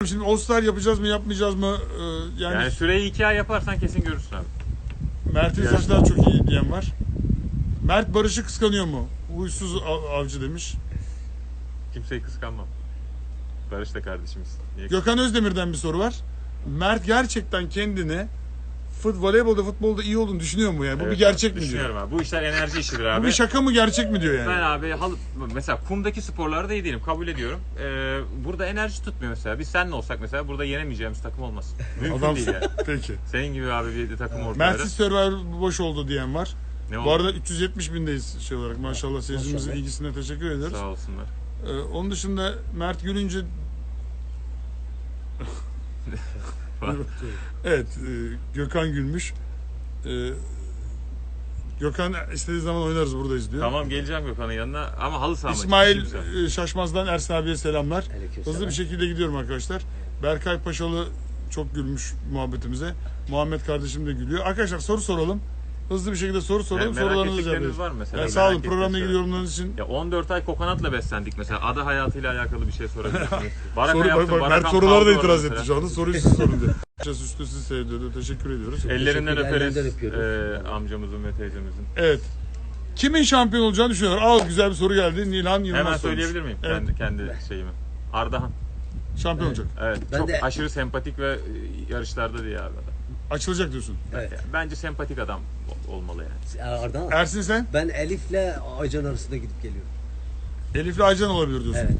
abi şimdi All-Star yapacağız mı yapmayacağız mı? Yani süreyi 2 ay yaparsan kesin görürsün abi. Mert'in saçları çok iyi diyen var. Mert Barış'ı kıskanıyor mu? Huysuz avcı demiş. Kimseyi kıskanmam. Barış da kardeşimiz. Niye Gökhan Özdemir'den bir soru var. Mert gerçekten kendini voleybolda, futbolda iyi olduğunu düşünüyor mu yani? Bu Evet bir gerçek abi, mi diyor? düşünüyorum abi. Bu işler enerji işidir abi. Bu bir şaka mı gerçek mi diyor yani? Ben abi mesela kumdaki sporlarda iyi değilim, kabul ediyorum. Burada enerji tutmuyor mesela. Biz seninle olsak mesela burada yenemeyeceğimiz takım olmaz. Mümkün Adam değil yani. peki. Senin gibi abi bir takım ortaya. Mert'siz Survivor boş oldu diyen var. Ne Bu oldu? arada 370 bindeyiz şey olarak. Maşallah seyircimizin ilgisine teşekkür ederiz. Sağ olsunlar. Onun dışında Mert gülünce evet, Gökhan gülmüş. Gökhan istediği zaman oynarız, buradayız diyor. Tamam, geleceğim Gökhan'ın yanına ama halı saha maçı. İsmail Şaşmaz'dan Ersin abiye selamlar. Aleykümselam. Hızlı bir şekilde gidiyorum arkadaşlar. Berkay Paşalı çok gülmüş muhabbetimize. Muhammed kardeşim de gülüyor. Arkadaşlar soru soralım. Hızlı bir şekilde soru soralım. Merak Sorularınızı ettikleriniz cevaplayalım. var mı mesela? Yani sağ olun, Merak programla ilgili ettikleriniz yorumlarınız için. Ya 14 ay kokonatla beslendik mesela. Ada hayatıyla alakalı bir şey sorabilirsiniz. Baraka Soru, yaptım. bak, Barakam Mert sorulara da kaldı itiraz orada etti mesela. şu anda. Soruyu siz sorun diyor. Üstü sizi seviyordu. Teşekkür ediyoruz. Ellerinden Teşekkürler, öperiz ellerinden amcamızın ve teyzemizin. Evet. Kimin şampiyon olacağını düşünüyorlar? Güzel bir soru geldi. Nilhan Yılmaz Hemen sormuş. söyleyebilir miyim Evet. kendi şeyimi? Ardahan. Şampiyon olacak. Evet. Ben Çok de- aşırı sempatik ve yarışlarda diye abi adam. Açılacak diyorsun. Evet. Bence sempatik adam olmalı yani. Ardahan. Ersin sen? Ben Elif'le Aycan arasında gidip geliyorum. Elif'le Aycan olabilir diyorsun. Evet.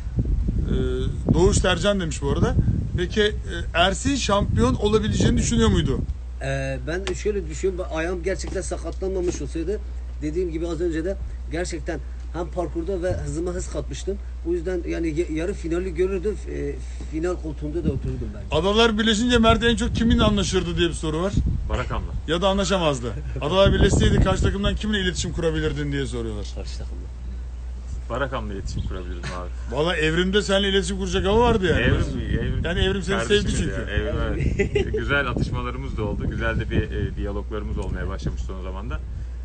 Doğuş Tercan demiş bu arada. Peki Ersin şampiyon olabileceğini düşünüyor muydu? Ben şöyle düşünüyorum. Ayağım gerçekten sakatlanmamış olsaydı dediğim gibi az önce de gerçekten hem parkurda ve hızıma hız katmıştım. O yüzden yani yarı finali görürdüm. Final koltuğunda da otururdum ben. Adalar birleşince Mert en çok kiminle anlaşırdı diye bir soru var. Barakam'la. Ya da anlaşamazdı. Adalar birleşseydi karşı takımdan kimle iletişim kurabilirdin diye soruyorlar. Karşı takımda. Barakam'la iletişim kurabilirdim abi. Valla Evrim'de seninle iletişim kuracak hava vardı yani. Evrim. Yani Evrim seni Kardeşimiz sevdi çünkü. ya, Evrim, evet. Güzel atışmalarımız da oldu. Güzel de bir diyaloglarımız olmaya başlamış son zamanda.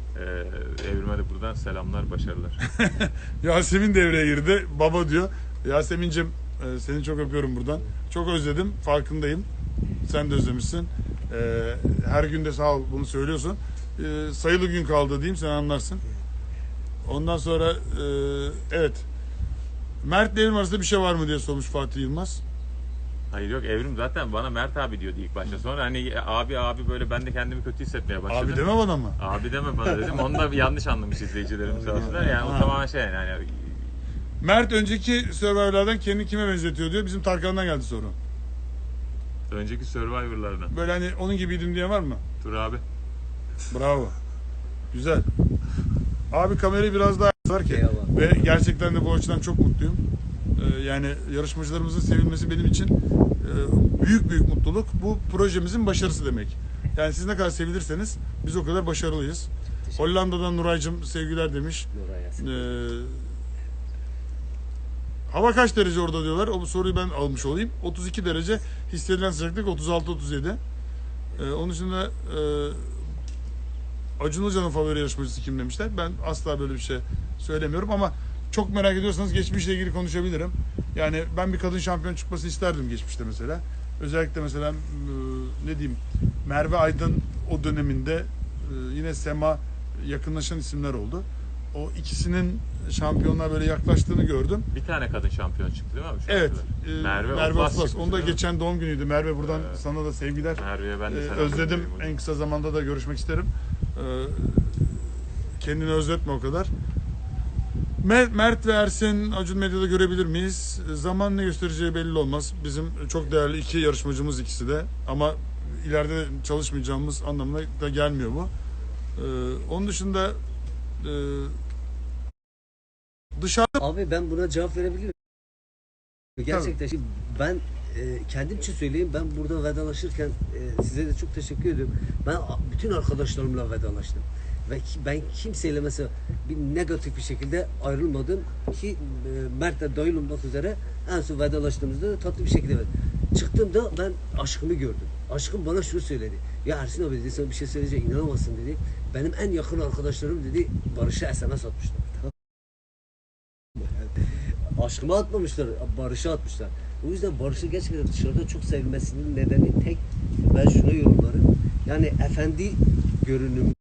Evrim'e de buradan selamlar, başarılar. Yasemin devreye girdi. Baba diyor. Yasemin'cim seni çok öpüyorum buradan. Çok özledim. Farkındayım. Sen de özlemişsin. Her gün de sağ ol bunu söylüyorsun. Sayılı gün kaldı diyeyim, sen anlarsın. Ondan sonra evet. Mert ile Evrim arasında bir şey var mı diye sormuş Fatih Yılmaz. Hayır yok, Evrim zaten bana Mert abi diyordu ilk başta. Sonra hani abi böyle ben de kendimi kötü hissetmeye başladım. Abi deme bana mı? Abi deme bana dedim. Onu da yanlış anlamış izleyicilerimiz sağ olsunlar. Yani o tamamen şey yani. Mert önceki Survivor'lardan kendini kime benzetiyor diyor. Bizim Tarkan'dan geldi soru. Önceki Survivor'lardan. Böyle hani onun gibiydim diyen var mı? Dur abi. Bravo. Güzel. Abi kamerayı biraz daha var ki. Eyvallah. Ve gerçekten de bu açıdan çok mutluyum. Yani yarışmacılarımızın sevilmesi benim için büyük mutluluk. Bu projemizin başarısı demek. Yani siz ne kadar sevilirseniz biz o kadar başarılıyız. Hollanda'dan Nuray'cığım sevgiler demiş. Nuray Yasin. Hava kaç derece orada diyorlar. O soruyu ben almış olayım. 32 derece. Hissedilen sıcaklık 36-37. Onun dışında Acun Ilıcalı'nın favori yarışmacısı kim demişler. Ben asla böyle bir şey söylemiyorum ama çok merak ediyorsanız geçmişle ilgili konuşabilirim. Yani ben bir kadın şampiyon çıkmasını isterdim geçmişte mesela. Özellikle mesela ne diyeyim, Merve Aydın o döneminde yine Sema yakınlaşan isimler oldu. O ikisinin şampiyonluğa böyle yaklaştığını gördüm. Bir tane kadın şampiyon çıktı değil mi abi? Şu Evet. Merve Merve Oflas Oflas. çıkmış, Onda değil mi? geçen doğum günüydü. Merve buradan sana da sevgiler. Merve'ye ben de selam Özledim. gönderiyorum. En kısa zamanda da görüşmek isterim. Kendini özletme o kadar. Mert ve Ersin Acun Medya'da görebilir miyiz? Zaman ne göstereceği belli olmaz. Bizim çok değerli iki yarışmacımız ikisi de. Ama ileride çalışmayacağımız anlamına da gelmiyor bu. Onun dışında dışarıda Abi ben buna cevap verebilirim. Gerçekten şimdi ben kendim için söyleyeyim, ben burada vedalaşırken size de çok teşekkür ediyorum. Ben bütün arkadaşlarımla vedalaştım. Ve ben kimseyle mesela bir negatif bir şekilde ayrılmadım ki Mert'le dahil olmak üzere en son vedalaştığımızda tatlı bir şekilde çıktığımda ben aşkımı gördüm. Aşkım bana şunu söyledi. Ya Ersin abi dedi, sana bir şey söyleyecek, inanamazsın dedi. Benim en yakın arkadaşlarım dedi Barış'a SMS atmışlar. Aşkıma atmamışlar, Barış'a atmışlar. O yüzden Barış'ın gerçekten dışarıda çok sevilmesinin nedeni tek, ben şuna yorumlarım. Yani efendi görünümü,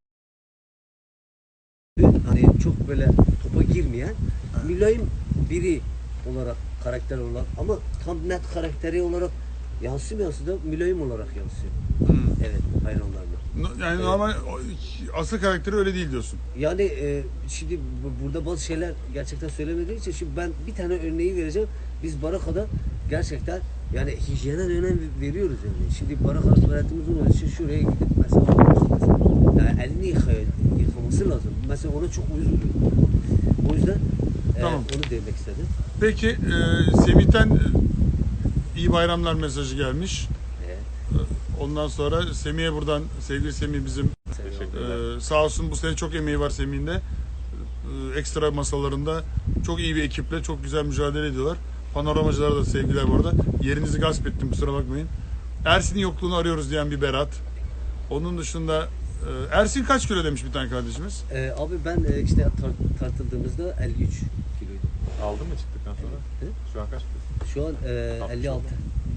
hani çok böyle topa girmeyen, mülayim biri olarak, karakter olarak, ama tam net karakteri olarak yansımıyorsa da mülayim olarak yansıyor. Evet, hayranlarına. Yani Evet. normal asıl karakteri öyle değil diyorsun. Yani şimdi burada bazı şeyler gerçekten söylemediği için, şimdi ben bir tane örneği vereceğim. Biz Baraka'da gerçekten yani hijyene önem veriyoruz yani. Şimdi Baraka tuvaletimiz olduğu için şuraya gidip mesela yani elini yıkaması lazım. Mesela ona çok uyuz oluyor. O yüzden Tamam. onu demek istedim. Peki Semih'ten iyi bayramlar mesajı gelmiş. Evet. Ondan sonra Semih'e buradan, sevgili Semih bizim Teşekkürler. sağ olsun bu sene çok emeği var Semih'in de. Ekstra masalarında çok iyi bir ekiple çok güzel mücadele ediyorlar. Panoramacılara da sevgiler bu arada. Yerinizi gasp ettim, kusura bakmayın. Ersin'in yokluğunu arıyoruz diyen bir Berat. Onun dışında Ersin kaç kilo demiş bir tane kardeşimiz. Abi ben işte tartıldığımızda 53 kiloydum. Aldın mı çıktıktan sonra? Evet. Şu an kaç? Şu an 60 56. oldu.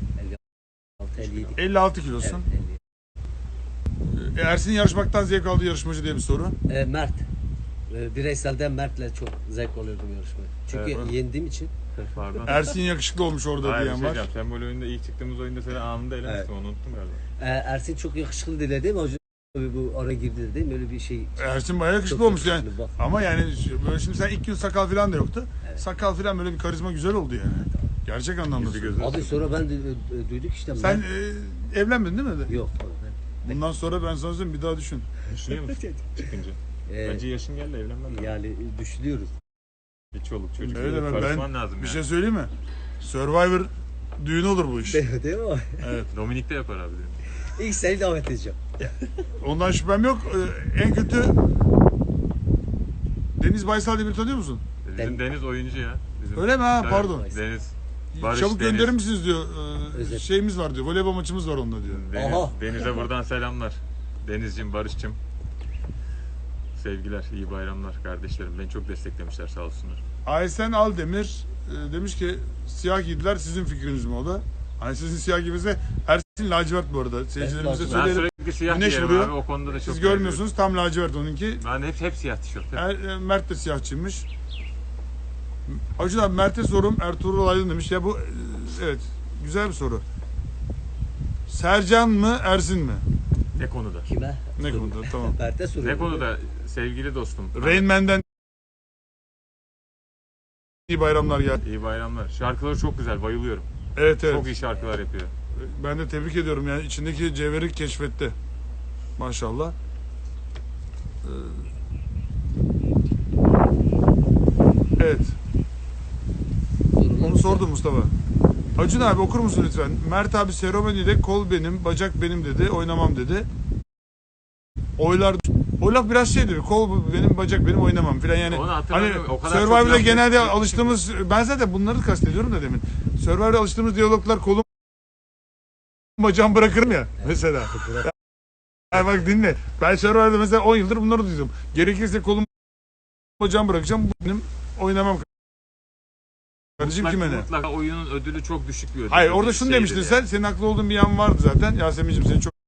56, 57. 56 kilosun. Evet, 57. Ersin yarışmaktan zevk aldığı yarışmacı diye bir soru. Mert. Bireyselden Mert'le çok zevk alıyordum yarışmayı. Çünkü Evet. yendiğim için. Pardon. Ersin yakışıklı olmuş orada Hayır, diyen şey var. diyeceğim. Sembol oyunda ilk çıktığımız oyunda seni anında elemiştim. Onu unuttum galiba. Ersin çok yakışıklı dedi değil mi hocam? Bu ara girdi değil mi? Öyle bir şey. Ersin bayağı yakışıklı Çok olmuş yani. yakışıklı, bak. Ama yani böyle şimdi sen ilk gün sakal falan da yoktu. Evet. Sakal falan böyle bir karizma güzel oldu yani. Gerçek anlamda. Yüzü söylüyorum. gözü. Abi sonra ben de duyduk işte. Sen Mert- evlenmedin değil mi? Yok. Bundan sonra ben sana söyleyeyim bir daha düşün. Düşünüyor musun çıkınca? Bence yaşın geldi evlenmen lazım. Yani düşünüyoruz. Bir çoluk çocuk. Öyle mi? Karışman lazım Bir yani. şey söyleyeyim mi? Survivor düğün olur bu iş. Değil mi? Evet. Dominik de yapar abi. Dedim. İlk seni davet edeceğim. Ondan şüphem yok. En kötü Deniz Baysal diye bir tanıyor musun? Bizim Deniz oyuncu ya. Bizim Öyle mi ha? Tabii, Pardon. Deniz. Barış, Çabuk Deniz. gönderir misiniz diyor. Özet. Şeyimiz var diyor. Voleybol maçımız var onunla diyor. Aha. Deniz'e buradan selamlar. Deniz'cim, Barış'cım. Sevgiler, iyi bayramlar kardeşlerim. Beni çok desteklemişler sağ olsunlar. Aysen Aldemir demiş ki siyah giydiler sizin fikriniz mi o da? Hani sizin siyah giymenize Ersin lacivert bu arada. Seyircilerimize lacivert. Ben söyleyelim. sürekli siyah Güneş giyerim vuruyor. abi. O konuda da çok Siz görmüyorsunuz tam lacivert onunki. Ben hep siyah tişört. Hep. Mert de siyahçıymış. Acun abi Mert'e sorum Ertuğrul Aydın demiş. Ya bu evet güzel bir soru. Sercan mı Ersin mi? Ne konuda? Kime? Ne konuda tamam. Mert'e soruyorum. Ne konuda sevgili dostum? Rain Man'den iyi bayramlar geldi. İyi bayramlar. Şarkıları çok güzel, bayılıyorum. Evet evet. Çok iyi şarkılar yapıyor. Ben de tebrik ediyorum yani içindeki cevheri keşfetti. Maşallah. Evet. Sorular Onu sordum Mustafa. Acun abi okur musun lütfen? Mert abi seremonide kol benim, bacak benim dedi. Oynamam dedi. Oylar o laf biraz şey dedi. Kol benim, bacak benim oynamam filan yani. Onu Hani hatırlamıyorum. O kadar çok Survivor'da laf genelde etti. alıştığımız ben zaten bunları kastediyorum da demin. Survivor'da alıştığımız diyaloglar kolum bacağım bırakırım ya mesela. Yani bak dinle. Ben Survivor'da mesela 10 yıldır bunları duydum. Gerekirse kolum bacağım bırakacağım. Bu benim oynamam. Kardeşim kime ne? Mutlaka oyunun ödülü çok düşük bir ödül. Hayır orada şunu Şeydir demiştin yani. sen. Senin haklı olduğun bir yan vardı zaten. Yasemin'cim seni çok